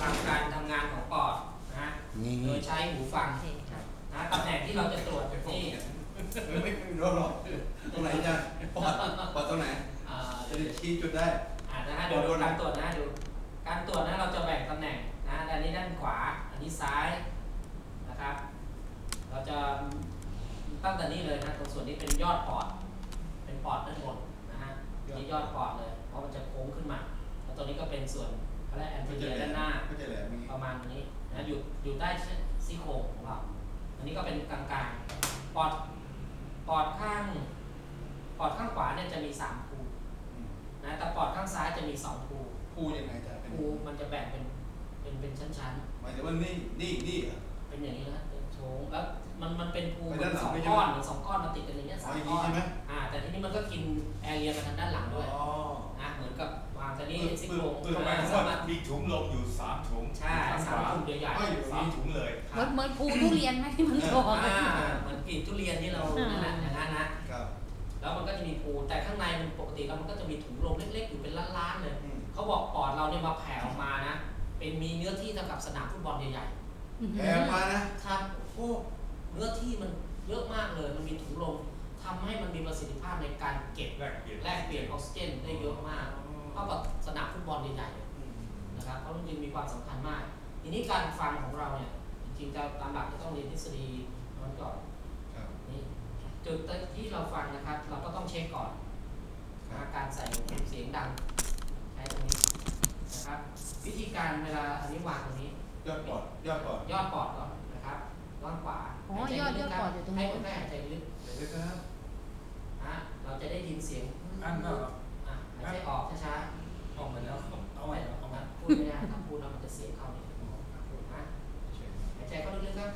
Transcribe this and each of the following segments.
ฟังการทำงานของปอดนะโดยใช้หูฟังนะตำแหน่งที่เราจะตรวจนี่ไม่รู้หรอกตรงไหนจะปอดตรงไหนจะได้ชี้จุดได้นะฮะเดี๋ยวดูการตรวจนะดูการตรวจนะเราจะแบ่งตำแหน่งนะด้านนี้ด้านขวาอันนี้ซ้ายนะครับเราจะตั้งแต่นี้เลยนะตรงส่วนนี้เป็นยอดปอดเป็นปอดด้านบนนะฮะนี่ยอดปอดเลยเพราะมันจะโค้งขึ้นมาแล้วตรงนี้ก็เป็นส่วนเขาเรียกแอนติเนียด้านหน้าประมาณนี้นะอยู่ใต้ซี่โครงของเราอันนี้ก็เป็นกลางๆปอดข้างขวาเนี่ยจะมี3ภูนะแต่ปอดข้างซ้ายจะมี2ภูยังไงจะภูมันจะแบ่งเป็นชั้นๆหมายถึงว่านี่เป็นอย่างนี้นะเป็นโชงแล้วมันเป็นภูเหมือน2 ก้อนเหมือน2 ก้อนมาติดกันอย่างเงี้ย3 ก้อนแต่ทีนี้มันก็กินแอเรียไปทางด้านหลังด้วยนะเหมือนกับวางแต่นี่ซี่โครงมีถุงลมอยู่3 ถุงใช่3 ถุงใหญ่ๆ3 ถุงเลยเหมือนภูทุเรียนไหมที่มันโตเหมือนกลีบทุเรียนที่เรานั่นแหละอย่างนั้นนะแล้วมันก็จะมีภูแต่ข้างในมันปกติแล้วมันก็จะมีถุงลมเล็กๆอยู่เป็นล้านๆเลยเขาบอกปอดเราเนี่ยมาแผ่ออกมานะเป็นมีเนื้อที่เท่ากับสนามฟุตบอลใหญ่ๆแผ่มานะครับโอ้เนื้อที่มันเยอะมากเลยมันมีถุงลมทำให้มันมีประสิทธิภาพในการเก็บแลกเปลี่ยนออกซิเจนได้เยอะมากเท่ากับสนามฟุตบอลใหญ่ๆนะครับเพราะมันจึงมีความสำคัญมากทีนี้การฟังของเราเนี่ยจริงๆจะตามหลักจะต้องเรียนทฤษฎีนั้นก่อนนี่จุดที่เราฟังนะครับเราก็ต้องเช็คก่อนการใส่เสียงดังใช้ตรงนี้นะครับวิธีการเวลาอันนี้วางตรงนี้ยอดปอดก่อนนะครับวางขวาอ๋อยอดปอดอยู่ตรงนี้ให้คุณแม่หายใจลึกครับเราจะได้ยินเสียงอันก็หายใจออกช้าๆออกมาแล้วเอาไว้เอามาพูดไม่ได้ถ้าพูดแล้วมันจะเสียงเข้าเนี่ยนะหายใจเข้าลึกๆครับ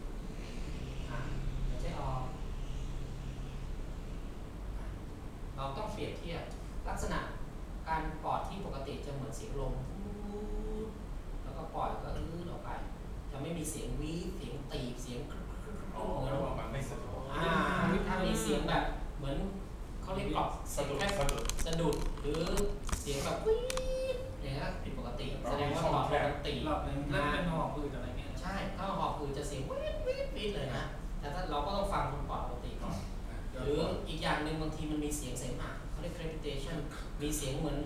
หายใจออกเราต้องเปรียบเทียบลักษณะการปอดที่ปกติจะเหมือนเสียงลมแล้วก็ปล่อยก็ออกไปจะไม่มีเสียงวีเสียงตีเสียงเหมือนว่ามันไม่สะดวกถ้ามีเสียงแบบเหมือนเขาเรียกกรอบสะดุดหรือเสียงแบบวีอย่างนี้ผิดปกติแสดงว่าปอดปกติรอบนึงนั่นเป็นหอบหืดอะไรเงี้ยใช่ถ้าหอบหืดจะเสียงวีดเลยนะแต่ถ้าเราก็ต้องฟังคนปอดปกติก่อนหรืออีกอย่างหนึ่งบางทีมันมีเสียงเสมหะเขาเรียก crepitation มีเสียงเหมือน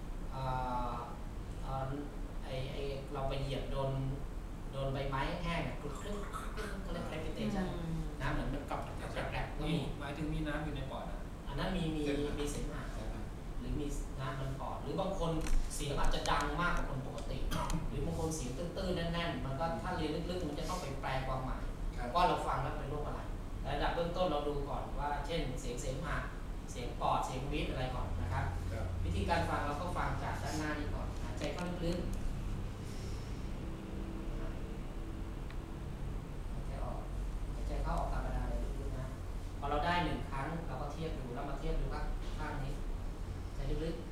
เราไปเหยียบโดนใบไม้แห้งกรุบกรึ๊บเขาเรียก crepitation น้ำเหมือนมันกรอบแกรบก็มีหมายถึงมีน้ำอยู่ในปอดอันนั้นมีเสมหะหรือมีน้ำมันปอดหรือบางคนเสียงอาจจะดังมากกว่าคนปกติหรือบางคนเสียงตื้นๆแน่นๆมันก็ถ้าเรียนลึกๆมันจะต้องไปแปลความหมายว่าเราฟังแล้วเป็นโรคอะไรระดับเบื้องต้นเราดูก่อนว่าเช่นเสียงเสมหะเสียงปอดเสียงวีดอะไรก่อนนะครับวิธีการฟังเราก็ฟังจากด้านหน้านี้ก่อนหายใจเข้าลึกๆหายใจออกหายใจเข้าออกธรรมดาเลยลึกๆนะพอเราได้1 ครั้งเราก็เทียบดูแล้วมาเทียบดูว่าข้างนี้ใจลึก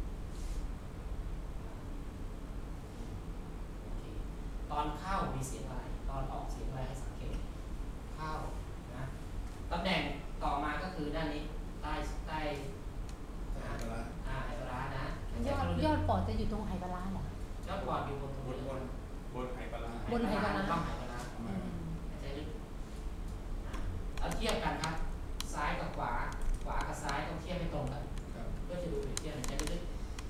ๆตอนเข้ามีเสียงอะไรตอนออกเสียงอะไรให้สังเกตเข้านะตำแหน่งต่อมาก็คือด้านนี้ใต้ไหปลานะยอดปอดจะอยู่ตรงไหปลาเหรอยอดปอดอยู่บนไหปลาบนไหปลาต้องไหปลาใจลึกแล้วเทียบกันครับซ้ายกับขวากับซ้ายต้องเทียบให้ตรงกันเพื่อจะดูเปรียบเทียบใจลึก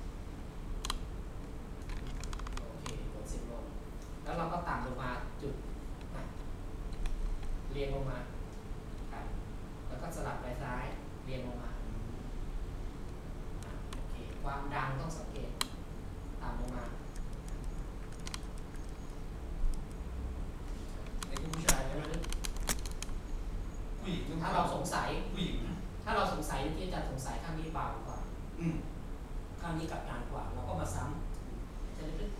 โอเคกด10 ลงแล้วเราก็ต่ำลงมาจุดเรียงลงมาครับแล้วก็สลับไปซ้ายเรียงลงมาโอเคความดังต้องสังเกตต่ำลงมาไอ้ผู้ชายใช่ไหมผู้หญิงถ้าเราสงสัยผู้หญิงถ้าเราสงสัยที่จะสงสัยข้างนี้เบากว่าข้างนี้กับหนักกว่าเราก็มาซ้ำจะลึก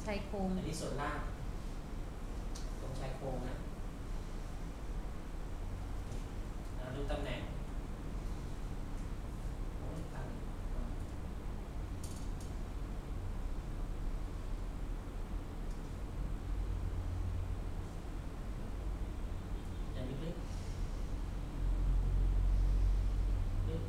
ชายโครงอันนี้ส่วนล่างตรงชายโครงนะดูตำแหน่งโอ้ยตันอย่างลึกๆลึก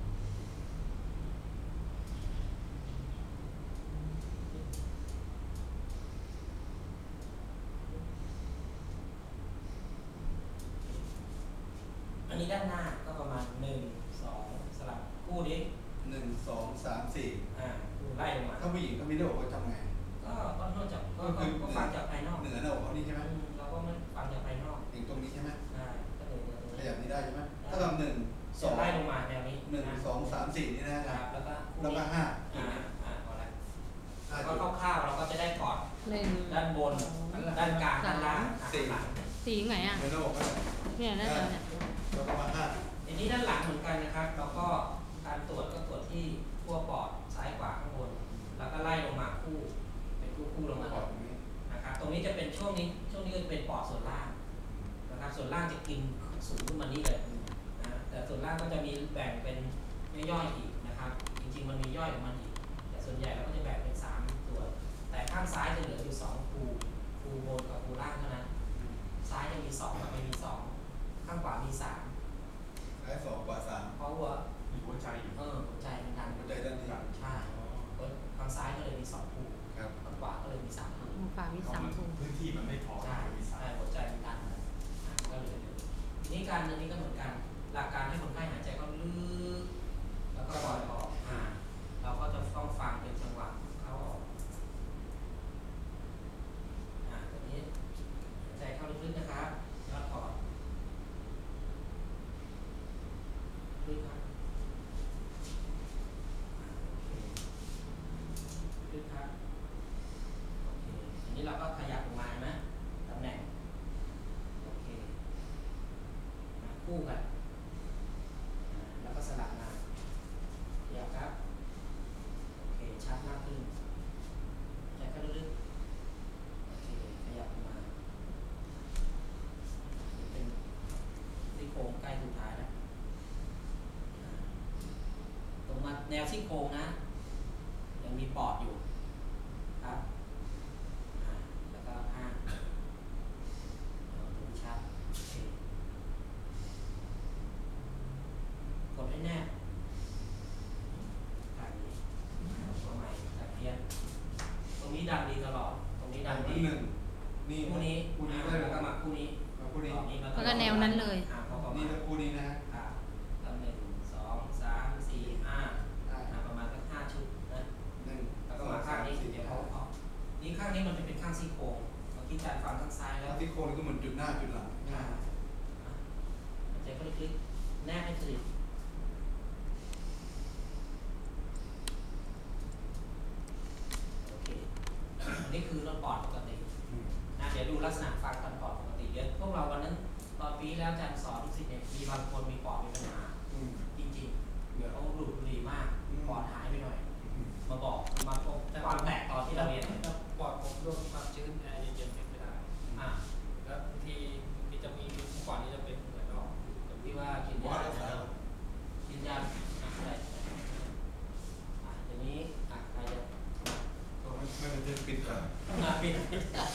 อันนี้ด้านหน้าก็ประมาณ1 2สลับคู่นี้ 1 2 3 4 ไล่ลงมาถ้าผู้หญิงเขามีหน้าอกเขาทำไงก็นอกจากก็ฟังจากภายนอกเหนือหน้าอกเขานี่ใช่ไหมเราก็ไม่ฟังจากภายนอกอย่างตรงนี้ใช่ไหมได้ก็เลยตรงขนี้ยับนี้ได้ใช่ไหมถ้าทำ1 ไล่ลง 2 มาแนวนี้ 1 2 3 4นี่นะคครัรับบ แล้วก็แล้วก็พอแล้ว 5 ก็คร่าวๆเราก็จะได้พอร์ต 1 ด้านบน ด้านกลาง ด้านล่างสี่หลังสีไหนอ่ะเหนือหน้าอกก็เนี่ยน่าจะเนี่ยแล้วก็มาทีนี้ด้านหลังเหมือนกันนะครับเราก็การตรวจก็ตรวจที่ขั้วปอดซ้ายขวาข้างบน แล้วก็ไล่ลงมาคู่เป็นคู่ลงมา 5ปอดตรงนี้นะครับตรงนี้จะเป็นช่วงนี้ก็จะเป็นปอดส่วนล่างนะครับส่วนล่างจะกินสูงขึ้นมานี่เลยนะแต่ส่วนล่างก็จะมีแบ่งเป็นย่อยๆอีกนะครับจริงๆมันมีย่อยของมันอีกแต่ส่วนใหญ่เราก็จะแบ่งเป็น3ส่วนแต่ข้างซ้ายจะเหลืออยู่2คูบนกับคูล่างเท่านั้นซ้ายจะมี2กับไม่มี2ข้างขวามี3 ซ้าย2ขวา3 เพราะว่ามีหัวใจอยู่หัวใจมันดันหัวใจด้านนี้ใช่ข้างซ้ายก็เลยมี2คูครับข้างขวาก็เลยมี3คูฝามีเพราะ 3 มันคูพื้นที่มันไม่พอใช่มีสาใช่ยหัวใจมันดันก็เลยนี่การอันนี้ก็เหมือนกัน หลักการให้คนไข้หายใจเข้าลึกแล้วก็ปล่อยออกเราก็จะต้องฟังเป็นจังหวะเข้าออกตัวนี้หายใจเข้าลึกๆนะครับยอดปอดลึกครับลึกครับโอเคอันนี้เราก็ขยับลงมาเห็นไหมตำแหน่งโอเคคู่กันแล้วก็สลับมาเดี๋ยวครับโอเคชัดมากขึ้นใจก็ลึกๆโอเคขยับลงมาเป็นซี่โครงใกล้สุดท้ายแล้วตรงมาแนวซี่โครงนะยังมีปอดอยู่ครับแล้วก็ดูชัดโอเคกดให้แน่ทางนี้ตัวใหม่ตะเพียนตรงนี้ดังดีตลอดตรงนี้ดังดีนี่คู่นี้คู่นี้ได้แล้วก็มาคู่นี้คู่นี้แล้วก็แนวนั้นเลยพอประมานี่ณแล้วคู่นี้นะฮะตำแหน่ง2 3 4 5ประมาณสัก5 ชุดนะ 1 แล้วก็มาข้างนี้เดี๋ยวเขาออกนี่ข้างนี้มันจะเป็นข้างซี่โครงเมื่อกี้อาจารย์ฟังข้างซ้ายแล้วที่โคนก็เหมือนจุดหน้าจุดหลังหายใจเข้าลึกๆแนบให้สนิทโอเคอันนี้คือเราปอดปกตินะเดี๋ยวดูลักษณะฟังกันปอดปกติเดี๋ยวพวกเราวันนั้นตอนปีแล้วอาจารย์สอนสิเนี่ยมีบางคนมีปอดมีปัญหาจริงๆเดี๋ยวเขาดูดบุหรี่มากปอดหายไปหน่อยมาบอกมาพบความแตกตอนที่เราเรียนถ้าปอดผมโดนความชื้นแอร์เย็นๆไม่ได้ แล้วบางทีจะมีก่อนนี้จะเป็นเหมือนออกที่ว่ากินยากินยาอะไรเดี๋ยวนี้ใครจะไม่เป็นปิดก่อนปิด